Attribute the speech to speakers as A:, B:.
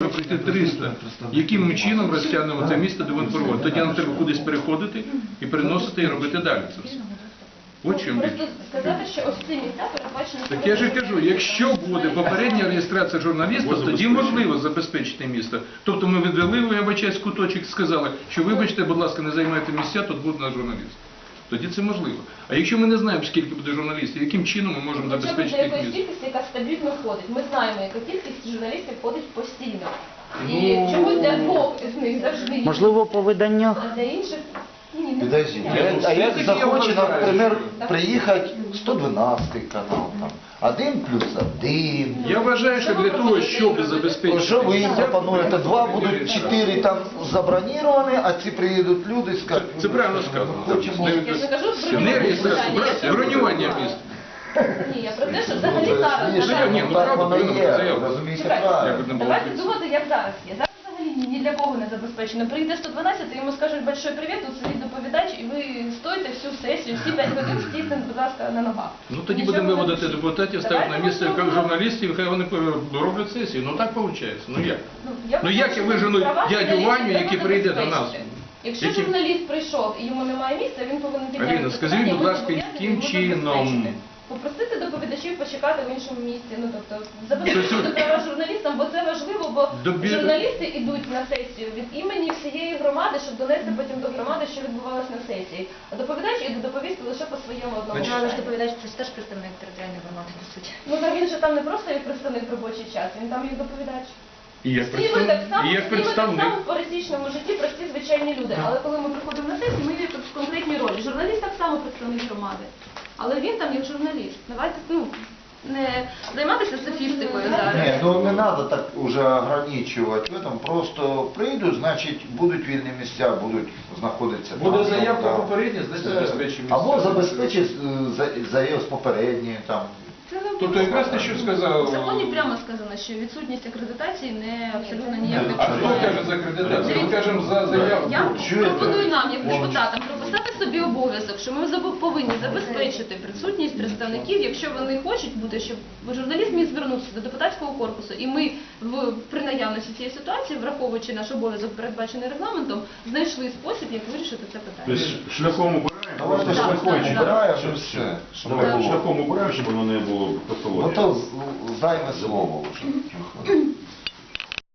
A: можна пройти 300. Яким ми чином розтягнемо це місто до водопроводу? Тоді нам треба кудись переходити і переносити і робити далі це все. От чим річ.
B: Просто сказати, що ось ці місця передбачені...
A: Так я ж і кажу, якщо буде попередня реєстрація журналіста, тоді можливо забезпечити місто. Тобто ми відвели, вибачаюсь, куточок, сказали, що вибачте, будь ласка, не займайте місця, тут буде наш журналіст. Тоді це можливо. А якщо ми не знаємо, скільки буде журналістів, яким чином ми можемо забезпечити їх
B: Хоча б
A: місце?
B: кількість, яка стабільно ходить. Ми знаємо, яка кількість журналістів ходить постійно. І чомусь для двох з них завжди є.
C: Можливо, по виданнях.
B: А для інших ні.
D: Подождите, а як захоче, наприклад, приїхати 112 канал, там, 1+1.
A: Я вважаю, що для того, щоб забезпечити
D: Що ви їм
A: місця,
D: пропонуєте? 2 будуть 4 там заброніровані, а ці приїдуть люди і скажуть,
A: це правильно сказано.
D: хочемо.
B: Я ж не кажу
A: Не реєстрація, бронювання міст.
B: Ні, я про те, що взагалі зараз...
D: Ні,
B: Давайте-
A: ні, ну,
D: так
A: правда,
D: воно
A: повинно
D: є,
A: бути заявлено.
D: розумієте
B: Чекайте,
D: правильно.
B: давайте думати, як зараз є. Зараз взагалі ні для кого не забезпечено. Прийде 112, і йому скажуть большой привіт, тут сидить доповідач, і ви стоїте всю сесію, всі 5 годин стійте, будь ласка, на ногах.
A: Ну тоді
B: Нічого
A: будемо
B: не
A: виводити
B: пишіть.
A: депутатів, ставити на
B: Давайте
A: місце
B: ми зробимо.
A: журналістів, хай вони роблять сесію. Ну так виходить. Ну як? Ну як я
B: вважаю,
A: вижену
B: що права
A: дядю
B: журналістів
A: Ваню,
B: треба
A: який прийде до нас?
B: забезпечити. Якщо
A: Який-
B: журналіст прийшов і йому немає місця, він повинен підняти
A: Аліна,
B: це
A: скажіть,
B: питання,
A: будь
B: ми
A: ласка,
B: зобов'язані
A: яким
B: йому
A: чином?
B: забезпечити. Попросити доповідачів почекати в іншому місці, ну тобто забезпечити
A: Тобто-
B: права журналістам, бо це важливо, бо
A: Добі-
B: журналісти йдуть на сесію від імені всієї громади, щоб донести потім до громади, що відбувалося на сесії. А доповідач іде доповісти лише по своєму одному.
A: Значить,
E: Але ж
B: питанню.
E: доповідач це теж представник територіальної громади, по суті.
B: Ну так він же там не просто як представник в робочий час, він там як доповідач.
A: І як
B: Всі ми так само,
A: і як
B: всі ми так
A: представник.
B: само в пересічному житті прості звичайні люди. Але коли ми приходимо на сесію, ми є тут в конкретній ролі. Журналіст так само представник громади. Але він там як журналіст. Давайте не займатися софістикою зараз.
D: Ні, ну не треба так уже ограничувати в этом. Просто прийдуть, значить будуть вільні місця, будуть знаходитися
A: Буде
D: там,
A: заявка
D: там.
A: попередня, значить забезпечимо.
D: Або забезпечить заяву з попередньої там.
B: Це не
A: Тобто якраз те, що сказав.
B: в законі прямо сказано, що відсутність акредитації не абсолютно ніяк не
A: А хто каже за акредитацію? Ми кажемо за заявку.
B: Я
D: Чуєте?
B: пропоную нам, як депутатам, прописати собі обов'язок, що ми повинні забезпечити присутність представників, якщо вони хочуть бути, щоб журналіст міг звернутися до депутатського корпусу, і ми при наявності цієї ситуації, враховуючи наш обов'язок, передбачений регламентом, знайшли спосіб, як вирішити це питання.
F: Тобто шляхом убираємо,
D: Давайте
F: просто
B: Так,
D: шляхом
B: так,
D: збираємо
F: щоб
D: і все. Щоб
F: Давайте
D: не було.
F: шляхом убираємо, щоб воно не було
D: Ну
F: патології.
D: то займе слово вже.